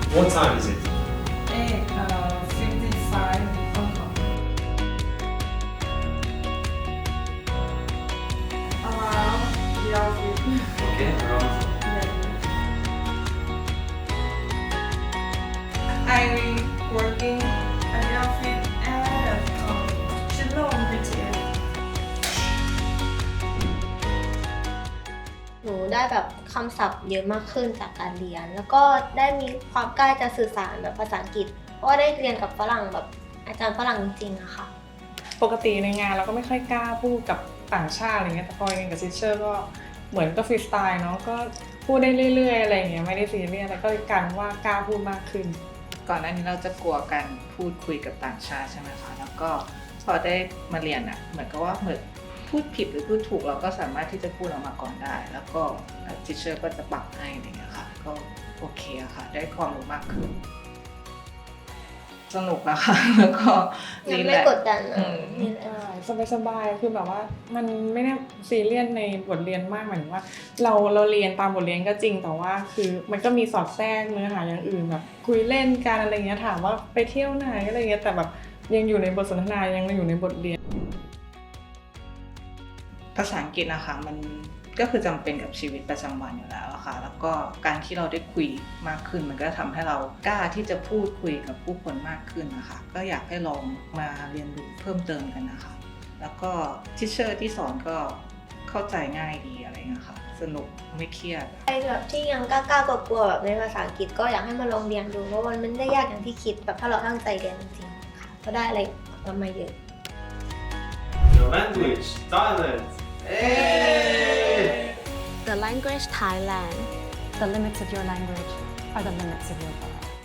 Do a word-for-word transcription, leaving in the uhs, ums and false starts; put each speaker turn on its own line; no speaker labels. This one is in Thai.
What time is it?
eight uh, fifty-five Hong Kong. Around the office.
Okay, around.
I working at the office at um, Shillong B T S.
หนูได้แบบคำศัพท์เยอะมากขึ้นจากการเรียน แล้วก็ได้มีความกล้าจะสื่อสารแบบภาษาอังกฤษ เพราะว่าได้เรียนกับฝรั่งแบบอาจารย์ฝรั่งจริงๆอะค่ะ
ปกติในงานเราก็ไม่ค่อยกล้าพูดกับต่างชาติอะไรเงี้ยแต่พอเรียนกับซิสเชอร์ก็เหมือนก็ฟรีสไตล์เนาะก็พูดได้เรื่อยๆอะไรเงี้ยไม่ได้ซีเรียสแล้วก็กลายเป็นว่ากล้าพูดมากขึ้น
ก่อนหน้านี้เราจะกลัวการพูดคุยกับต่างชาติใช่ไหมคะแล้วก็พอได้มาเรียนอ่ะเหมือนกับว่าเหมือนพูดผิดหรือพูดถูกเราก็สามารถที่จะพูดออกมาก่อนได้ แล้วก็ทิเชอร์ก็จะปรับให้อะไรเงี้ยค่ะก็โอเคอะค่ะได้ความรู้มากขึ้นสนุกอะค่ะแล้วก็
ยัง
นี่แห
ไม่
ละ
กดดัน
อื
อะ
ม
นี่แหละ
สบายๆคือแบบว่ามันไม่ได้ซีเรียสในบทเรียนมากหมายถึงว่า เราเราเรียนตามบทเรียนก็จริงแต่ว่าคือมันก็มีสอดแทรกเนื้อหาอย่างอื่นแบบคุยเล่นกันอะไรเงี้ยถามว่าไปเที่ยวไหนอะไรเงี้ยแต่แบบยังอยู่ในบทสนทนายังอยู่ในบทเรียน
ภาษาอังกฤษนะคะมันก็คือจำเป็นกับชีวิตประจำวันอยู่แล้วอะค่ะแล้วก็การที่เราได้คุยมากขึ้นมันก็ทำให้เรากล้าที่จะพูดคุยกับผู้คนมากขึ้นนะคะก็อยากให้ลองมาเรียนรู้เพิ่มเติมกันนะคะแล้วก็ทิเชอร์ที่สอนก็เข้าใจง่ายดีอะไรเงี้ยค่ะสนุกไม่เครียด
ใครแบบที่ยังกล้าๆกลัวๆแบบในภาษาอังกฤษก็อยากให้มาลองเรียนดูเพราะมันไม่ได้ยากอย่างที่คิดแบบถ้าเราตั้งใจเรียนจริงๆค่ะก็ได้อะไรกลับมาเยอะ
Your language, Thailand. Hey!
The language Thailand.
The limits of your language are the limits of your world.